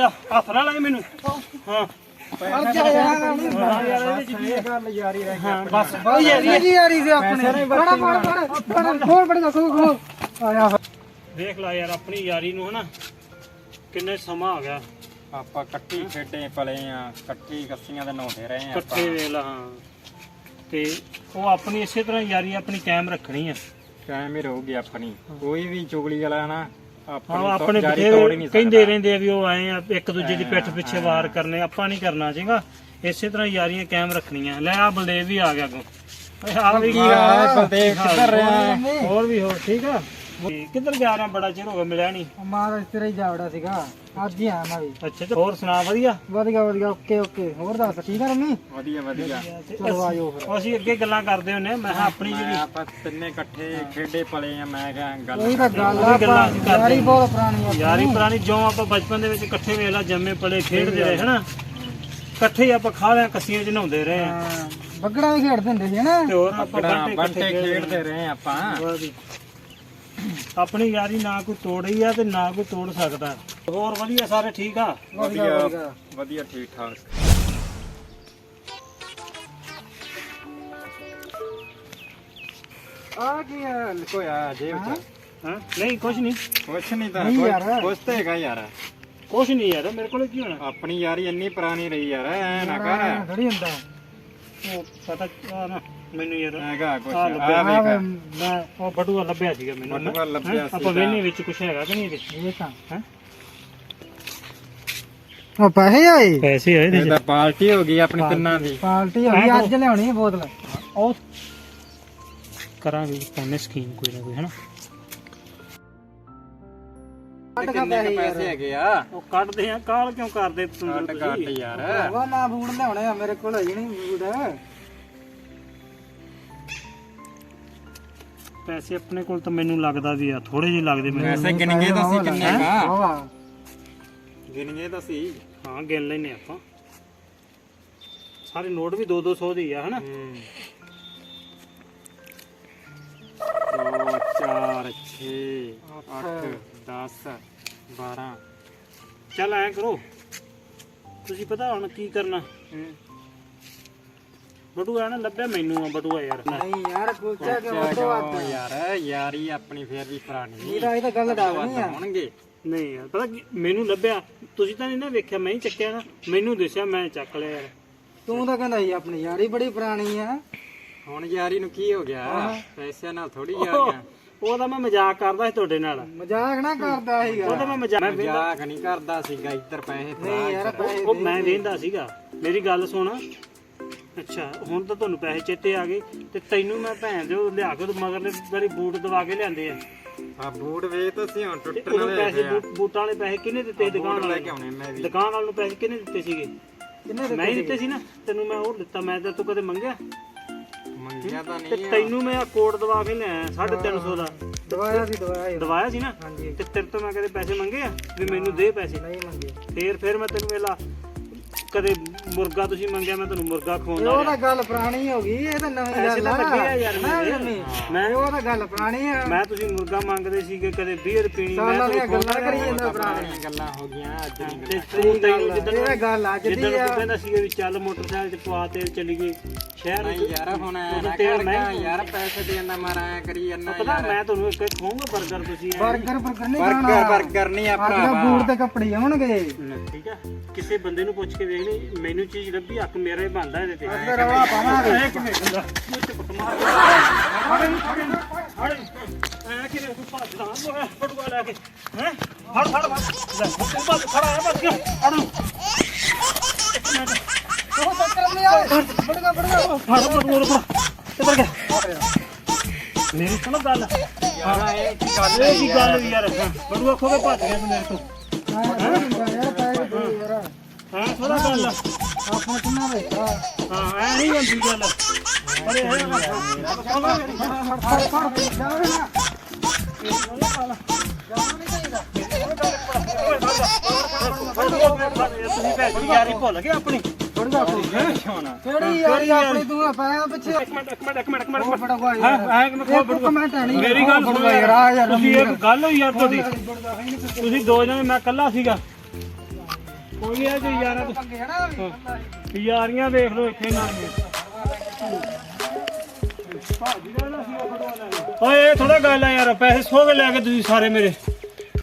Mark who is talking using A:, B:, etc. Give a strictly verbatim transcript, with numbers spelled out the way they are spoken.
A: ਜਾ ਹੱਥ ਨਾ ਲਾਏ ਮੈਨੂੰ ਹਾਂ ਬਸ ਦੇਖ ਲਾ ਯਾਰ ਆਪਣੀ ਯਾਰੀ ਨੂੰ ਹਨਾ ਕਿੰਨੇ ਸਮਾਂ ਆ ਗਿਆ
B: ਆਪਾਂ ਇਕੱਠੀ ਖੇਡੇ ਪਲੇ ਆ ਇਕੱਠੀ ਕੱਸੀਆਂ ਦੇ ਨਹਾਉਂਦੇ ਰਹੇ ਆ
A: ਇਕੱਠੇ ਵੇਲਾ ਹਾਂ ਤੇ ਉਹ ਆਪਣੀ ਇਸੇ ਤਰ੍ਹਾਂ ਯਾਰੀ ਆਪਣੀ ਕਾਇਮ ਰੱਖਣੀ ਆ
B: ਕਾਇਮ ਹੀ ਰਹੂਗੀ ਆਪਣੀ ਕੋਈ ਵੀ ਚੁਗਲੀ ਵਾਲਾ ਨਾ
A: ਹਾਂ ਆਪਣੇ ਬਥੇਰੇ ਕਹਿੰਦੇ ਰਹਿੰਦੇ ਆ ਵੀ ਉਹ ਆਏ ਆ ਇੱਕ ਦੂਜੇ ਦੀ ਪਿੱਠ ਪਿੱਛੇ ਵਾਰ ਕਰਨੇ ਆਪਾਂ ਨਹੀਂ ਕਰਨਾ ਚਾਹੀਦਾ ਇਸੇ ਤਰ੍ਹਾਂ ਯਾਰੀਆਂ ਕਾਇਮ ਰੱਖਣੀਆਂ ਲੈ ਆ ਬਲਦੇਵ ਵੀ ਆ ਗਿਆ ਕੋ ਆ ਵੀ
B: ਬਲਦੇਵ ਕਿੱਧਰ ਰਿਹਾ
A: ਹੋਰ ਵੀ ਹੋਰ ਠੀਕ ਆ ਕਿੱਧਰ ਜਾ ਰਿਹਾ ਬੜਾ ਚਿਰ ਹੋ ਗਿਆ ਮਿਲਿਆ ਨਹੀਂ
C: ਮਾਰਾ ਇਸ ਤਰ੍ਹਾਂ ਹੀ ਜਾਵੜਾ ਸੀਗਾ ਅੱਜ ਹੀ ਆਇਆ ਮੈਂ ਵੀ
A: ਅੱਛਾ ਤੇ ਹੋਰ ਸੁਣਾ ਵਧੀਆ
C: ਵਧੀਆ ਵਧੀਆ ਓਕੇ ਓਕੇ ਹੋਰ ਦੱਸ ਠੀਕ ਆ ਰਮੀ
B: ਵਧੀਆ ਵਧੀਆ
C: ਚਲੋ ਆਜੋ ਫਿਰ
A: ਅਸੀਂ ਅੱਗੇ ਗੱਲਾਂ ਕਰਦੇ ਹੁੰਨੇ ਮੈਂ ਕਿਹਾ ਆਪਣੀ ਜਿਹੜੀ
B: ਆਪਾਂ ਤਿੰਨੇ ਇਕੱਠੇ ਖੇਡੇ ਪਲੇ ਆ ਮੈਂ ਕਿਹਾ ਗੱਲ
C: ਉਹੀ ਤਾਂ ਗੱਲ ਆ ਯਾਰੀ ਬਹੁਤ ਪੁਰਾਣੀ ਆ
A: ਯਾਰੀ ਪੁਰਾਣੀ ਜੋ ਆਪਾਂ ਬਚਪਨ ਦੇ ਵਿੱਚ ਇਕੱਠੇ ਵੇਲਾ ਜੰਮੇ ਪਲੇ ਖੇਡਦੇ ਰਹੇ ਹਨਾ ਇਕੱਠੇ ਆਪਾਂ ਖਾਲਿਆਂ ਕੱਸੀਆਂ ਚ ਨਹਾਉਂਦੇ ਰਹੇ ਆ
C: ਬੱਗੜਾ ਵੀ ਖੇਡਦੇ ਹੁੰਦੇ ਸੀ ਹਨਾ
A: ਤੇ ਹੋਰ ਆਪਾਂ
B: ਬੰਟੇ ਖੇਡਦੇ ਰਹੇ ਆਪਾਂ
A: ਆਪਣੀ ਯਾਰੀ ਨਾ ਕੋਈ ਤੋੜੀ ਆ ਤੇ ਨਾ ਕੋਈ ਤੋੜ ਸਕਦਾ ਹੋਰ ਵਧੀਆ ਸਾਰੇ ਠੀਕ ਆ
B: ਵਧੀਆ ਵਧੀਆ ਠੀਕ ਠਾਕ ਆ ਕੀ ਲੁਕੋਇਆ ਜੇਬ ਚ
A: ਹਾਂ ਨਹੀਂ ਕੁਝ ਨਹੀਂ
B: ਕੁਛ ਨਹੀਂ ਤਾਂ
C: ਨਹੀਂ ਯਾਰ।
B: ਕੁਛ ਤਾਂ ਹੈਗਾ ਯਾਰ
A: ਕੁਝ ਨਹੀਂ ਯਾਰ ਮੇਰੇ ਕੋਲ ਕੀ ਹੋਣਾ
B: ਆਪਣੀ ਯਾਰੀ ਇੰਨੀ ਪੁਰਾਣੀ ਰਹੀ ਯਾਰ ਐ ਨਾ ਕਰ
C: ਥੋੜੀ ਹੁੰਦਾ
A: ਉਹ ਪਤਾ ਆ ਨਾ ਮੈਨੂੰ ਯਾਰ
B: ਹੈਗਾ ਕੁਛ
A: ਆ
B: ਆ
A: ਲੱਭਿਆ
B: ਵੇਖ
A: ਮੈਂ ਉਹ ਬਟੂਆ ਲੱਭਿਆ ਸੀਗਾ ਮੈਨੂੰ ਨਾ।
B: ਬਟੂਆ ਲੱਭਿਆ
A: ਹੈਂ?
B: ਸੀ
A: ਆਪਾਂ ਵੇਨੇ ਵਿੱਚ ਕੁਝ ਹੈਗਾ ਕਿ ਨਹੀਂ ਇਹਦੇ
C: ਇਹ ਤਾਂ
A: ਹੈ
C: ਉਹ ਪੈਸੇ ਆਏ
A: ਪੈਸੇ ਆਏ
B: ਇਹਦਾ ਪਾਰਟੀ ਹੋ ਗਈ ਆਪਣੀ ਤਿੰਨਾਂ ਦੀ
C: ਪਾਰਟੀ ਹੋਈ ਅੱਜ ਲਿਆਉਣੀ ਹੈ ਬੋਤਲ
A: ਉਹ ਕਰਾਂਗੇ ਪਾਉਣੇ ਸਕੀਮ ਕੋਈ ਨਾ ਕੋਈ ਹਨਾ
B: ਕਿੰਨੇ ਕੁ ਪੈਸੇ ਹੈਗੇ ਆ
A: ਉਹ ਕੱਢਦੇ ਆ ਕਾਲ ਕਿਉਂ ਕਰਦੇ
B: ਕੱਟ
A: ਤੁਸੀਂ
B: ਕੱਟ ਯਾਰ
C: ਵਾ ਨਾ ਬੂਟ ਲਿਆਉਣੇ ਆ ਮੇਰੇ ਕੋਲ ਹੈ ਹੀ ਨਹੀਂ ਬੂਟ
A: ਪੈਸੇ ਆਪਣੇ ਕੋਲ ਤਾਂ ਮੈਨੂੰ ਲੱਗਦਾ ਵੀ ਆ ਥੋੜੇ ਜਿਹੇ ਲੱਗਦੇ ਮੈਨੂੰ
B: ਪੈਸੇ ਗਿਣਗੇ ਤਾਂ ਸੀ ਕਿੰਨੇ ਕਾ
C: ਵਾਹ
B: ਗਿਣਗੇ ਤਾਂ ਸੀ
A: ਹਾਂ ਗਿਣ ਲੈਨੇ ਆਪਾਂ ਸਾਰੇ ਨੋਟ ਵੀ ਦੋ ਦੋ ਸੌ ਦੇ ਆ ਹਨਾ
B: ਦੋ ਚਾਰ ਛੇ ਅੱਠ ਦਸ ਬਾਰਾਂ
A: ਚੱਲ ਐ ਕਰੋ ਤੁਸੀਂ ਪਤਾ ਹੁਣ ਕੀ ਕਰਨਾ ਬਟੂਆ ਨਾ ਲੱਭਿਆ ਮੈਨੂੰ ਆ ਬਟੂਆ ਯਾਰ
C: ਨਹੀਂ ਯਾਰ ਕੁਲਚਾ ਕੇ
B: ਕਿਉਂ
C: ਵੱਟੋ ਵੱਟ
B: ਯਾਰ ਯਾਰੀ ਆਪਣੀ ਫੇਰ ਵੀ ਪੁਰਾਣੀ
C: ਇਹ ਤਾਂ ਇਹ ਤਾਂ ਗੱਲ ਡਾਵਣੀ ਆ
B: ਹੋਣਗੇ
A: ਨਹੀਂ ਯਾਰ ਪਤਾ ਕੀ ਮੈਨੂੰ ਲੱਭਿਆ ਤੁਸੀਂ ਤਾਂ ਨਹੀਂ ਨਾ ਵੇਖਿਆ ਮੈਂ ਹੀ ਚੱਕਿਆ ਨਾ ਮੈਨੂੰ ਦਿਸਿਆ ਮੈਂ ਚੱਕ ਲਿਆ ਯਾਰ
C: ਤੂੰ ਤਾਂ ਕਹਿੰਦਾ ਸੀ ਆਪਣੀ ਯਾਰੀ ਬੜੀ ਪੁਰਾਣੀ ਆ
B: ਹੁਣ ਯਾਰੀ ਨੂੰ ਕੀ ਹੋ ਗਿਆ ਪੈਸਿਆਂ ਨਾਲ ਥੋੜੀ ਯਾਰੀਆਂ
A: ਉਹ ਤਾਂ ਮੈਂ ਮਜ਼ਾਕ ਕਰਦਾ ਸੀ ਤੁਹਾਡੇ ਨਾਲ
C: ਮਜ਼ਾਕ ਨਾ ਕਰਦਾ ਸੀਗਾ
A: ਉਹ ਤਾਂ ਮੈਂ ਮਜ਼ਾਕ
B: ਮਜ਼ਾਕ ਨਹੀਂ ਕਰਦਾ ਸੀਗਾ ਇੱਧਰ ਪੈਸੇ
C: ਨਹੀਂ ਯਾਰ ਪੈਸੇ
A: ਉਹ ਮੈਂ ਵੇਂਦਾ ਸੀਗਾ ਮੇਰੀ ਗੱਲ ਸੁਣ ਅੱਛਾ ਹੁਣ ਤਾਂ ਤੁਹਾਨੂੰ ਪੈਸੇ ਚੇਤੇ ਆ ਗਏ ਤੇ ਤੈਨੂੰ ਮੈਂ ਭੈਣ ਦੇ ਲਿਆ ਕੇ ਮਗਰਲੇ ਵਾਰੀ ਬੂਟ ਦਵਾ ਕੇ ਲਿਆਂਦੇ ਆ
B: ਆ ਬੂਟ ਵੇਚ ਤਾਂ ਸੀ ਹੁਣ
A: ਤੇ
B: ਟੁੱਟਣ
A: ਉਦੋਂ
B: ਵਾਲੇ
A: ਪੈਸੇ ਬੂਟ- ਬੂਟਾਂ ਵਾਲੇ ਪੈਸੇ ਕਿਹਨੇ ਦਿੱਤੇ ਦੁਕਾਨ
B: ਲੈ
A: ਵਾਲੇ
B: ਕੇ ਆਉਣੇ ਮੈਂ ਵੀ
A: ਦੁਕਾਨ ਵਾਲੇ ਨੂੰ ਪੈਸੇ ਕਿਹਨੇ ਦਿੱਤੇ ਸੀਗੇ
C: ਕਿੰਨੇ
A: ਮੈਂ ਹੀ ਦਿੱਤੇ ਸੀ ਨਾ ਤੈਨੂੰ ਮੈਂ ਉਹ ਦਿੱਤਾ ਮੈਂ ਤਾਂ ਤੂੰ ਕਦੇ ਮੰਗਿਆ
B: ਮੰਗਿਆ ਤਾਂ
A: ਤੇ
B: ਨਹੀਂ
A: ਤੈਨੂੰ ਮੈਂ ਆ ਕੋਟ ਦਵਾ ਕੇ ਲਿਆਇਆ ਸਾਢੇ ਤਿੰਨ ਸੌ ਦਾ
C: ਦਵਾਇਆ ਸੀ ਦਵਾਇਆ
A: ਦਵਾਇਆ ਸੀ ਨਾ
C: ਹਾਂਜੀ
A: ਤੇ ਤੇਰੇ ਤੋਂ ਮੈਂ ਕਦੇ ਪੈਸੇ ਮੰਗੇ ਆ ਵੀ ਮੈਨੂੰ ਦੇ ਪੈਸੇ
C: ਨਹੀਂ ਮੰਗੇ
A: ਫੇਰ ਫੇਰ ਮੈਂ ਤੈਨੂੰ ਵੇਲਾ ਕਦੇ ਮੁਰਗਾ ਤੁਸੀਂ ਮੰਗਿਆ ਮੈਂ ਤੁਹਾਨੂੰ ਮੁਰਗਾ ਖਵਾਉਂਦਾ
C: ਉਹ ਤਾਂ ਗੱਲ ਪੁਰਾਣੀ ਹੋ ਗਈ ਇਹ ਤਾਂ ਨਵੀਂ
A: ਪੈਸੇ
C: ਗੱਲ
A: ਤਾਂ
C: ਆ
A: ਲੱਗੇ ਆ ਯਾਰ ਮੇਰੇ। ਮੈਂ
C: ਉਹ ਤਾਂ ਗੱਲ ਪੁਰਾਣੀ ਆ
A: ਮੈਂ ਤੁਸੀਂ ਮੁਰਗਾ ਮੰਗਦੇ ਸੀਗੇ ਕਦੇ ਬੀਅਰ ਪੀਣੀ ਮੈਂ
C: ਸਾਲਾਂ ਦੀਆਂ
A: ਤੁਹਾਨੂੰ
C: ਗੱਲਾਂ ਕਰੀ ਜਾਂਦਾ
B: ਪੁਰਾਣੀਆਂ ਗੱਲਾਂ ਹੋ ਗਈਆਂ ਅੱਜ
A: ਤੇ
B: ਨਹੀਂ
A: ਤੂੰ ਤੈਨੂੰ ਜਿੱਦਣ
C: ਇਹ ਗੱਲ ਅੱਜ ਦੀ
A: ਜਿੱਦਣ
C: ਆ
A: ਤੂੰ ਕਹਿੰਦਾ ਸੀਗਾ ਵੀ ਚੱਲ ਮੋਟਰਸਾਈਕਲ ਤੇ ਪਵਾ ਤੇਲ ਚੱਲੀ ਗਏ ਸ਼ਹਿਰ
B: ਨਹੀਂ ਯਾਰ ਹੁਣ ਐ ਨਾ
A: ਤੇਲ
B: ਕਰ
A: ਮਹਿੰਗਾ
B: ਯਾਰ ਪੈਸੇ ਦੇਣ ਦਾ ਮਾਰਾ ਐ ਕਰੀ ਜਾਂਦਾ
A: ਪਤਾ ਮੈਂ ਤੁਹਾਨੂੰ ਇੱਕ ਖਵਾਉਂਗਾ 버ਗਰ ਤੁਸੀਂ ਐਂ।
C: 버ਗਰ 버ਗਰ ਨਹੀਂ
B: ਬਰਗਰ
C: ਖਾਣਾ
B: ਬਰਗਰ ਨਹੀਂ ਆ
C: ਅੱਜ ਦਾ
B: ਭਰਾਵਾ
C: ਬੂਟ ਤੇ ਕੱਪੜੇ ਆਉਣਗੇ
A: ਠੀਕ ਆ ਕਿਸੇ ਬੰਦੇ ਨੂੰ ਪੁੱਛ ਕੇ ਵੇਖ ਲਈ ਮੈਨੂੰ ਚੀਜ਼ ਲੱਭੀ ਹੱਕ ਮੇਰਾ ਹੀ ਬਣਦਾ ਇਹਦੇ ਤੇ
C: ਅੱਜ ਦਾ ਰਵਾ ਪਾਵਾਂਗੇ
A: ਇੱਕ ਮਿੰਟ ਦਾ ਮੁੱਛ ਪਟ ਮਾਰ ਹੜੇ ਹੜੇ ਹੜੇ ਐ ਕਿਵੇਂ ਤੂੰ ਭੱਜਦਾ ਮੈਂ ਫਟੂਆ ਲੈ ਕੇ ਹੈ ਫੜ ਫੜ ਫੜ ਲੈ ਤੂੰ ਬਸ ਖੜਾ ਹੈ ਬਸ ਅੜੂ ਇੱਕ ਮਿੰਟ
C: ਉਹ ਚੱਕਰ ਨਹੀਂ ਆਏ ਬੜਗਾ ਬੜਗਾ
A: ਫੜ ਫੜ ਮੋਰ ਫੜ ਕਿੱਧਰ ਗਿਆ ਮੇਰੀ ਸੁਣੋ ਗੱਲ
B: ਯਾਰ ਇਹ ਕੀ ਗੱਲ
A: ਇਹ ਕੀ ਗੱਲ ਹੋਈ ਯਾਰ ਬੜੂਆ ਖੋ ਕੇ ਭੱਜ ਗਿਆ ਤੂੰ ਮੇਰੇ ਤੋਂ
C: ਯਾਰ ਪੈਸੇ ਦੇ ਯਾਰ
A: ਹਾਂ ਥੋੜਾ ਗੱਲ
C: ਆਪਾਂ ਕਿੰਨਾ ਵੇ
A: ਹਾਂ ਐ ਨਹੀਂ ਹੁੰਦੀ ਗੱਲ ਅਰੇ ਹੈ
C: ਫੜ ਫੜ ਜਾਵੇ ਨਾ
A: ਤੁਸੀਂ ਪੈਸੇ ਯਾਰੀ ਭੁੱਲ ਗਏ ਆਪਣੀ
C: ਬੜਗਾ ਕਿਹੜੀ ਯਾਰੀ ਆਪਣੀ ਤੂੰ ਪੈਸੇ ਪਿੱਛੇ
A: ਇੱਕ ਮਿੰਟ ਇੱਕ ਮਿੰਟ ਇੱਕ ਮਿੰਟ ਇੱਕ ਮਿੰਟ
C: ਉਹ ਬੜਾ ਗਵਾ
A: ਹਾਂ ਐ ਕਿ ਮੈਂ ਖੋ ਬੜੂਆ
C: ਕਮੈਂਟ ਨਹੀਂ
A: ਮੇਰੀ ਗੱਲ ਸੁਣੋ
C: ਯਾਰ ਆ ਯਾਰ
A: ਤੁਸੀਂ ਇੱਕ ਗੱਲ ਹੋਈ ਯਾਰ ਤੁਹਾਡੀ ਤੁਸੀਂ ਦੋ ਜਣੇ ਮੈਂ ਇਕੱਲਾ ਸੀਗਾ ਕੋਈ ਨਹੀਂ ਜੀ ਯਾਰਾਂ
C: ਪੰਗੇ ਹਨਾ
A: ਯਾਰੀਆਂ ਵੇਖ ਲਓ ਇੱਥੇ ਨਾ ਭਾਜੀ ਦਾ ਨਾ ਸੀ ਉਹ ਫੜਵਾ ਲੈ ਓਏ ਇਹ ਥੋੜਾ ਗੱਲ ਆ ਯਾਰ ਪੈਸੇ ਸੋ ਕੇ ਲੈ ਕੇ ਤੁਸੀਂ ਸਾਰੇ ਮੇਰੇ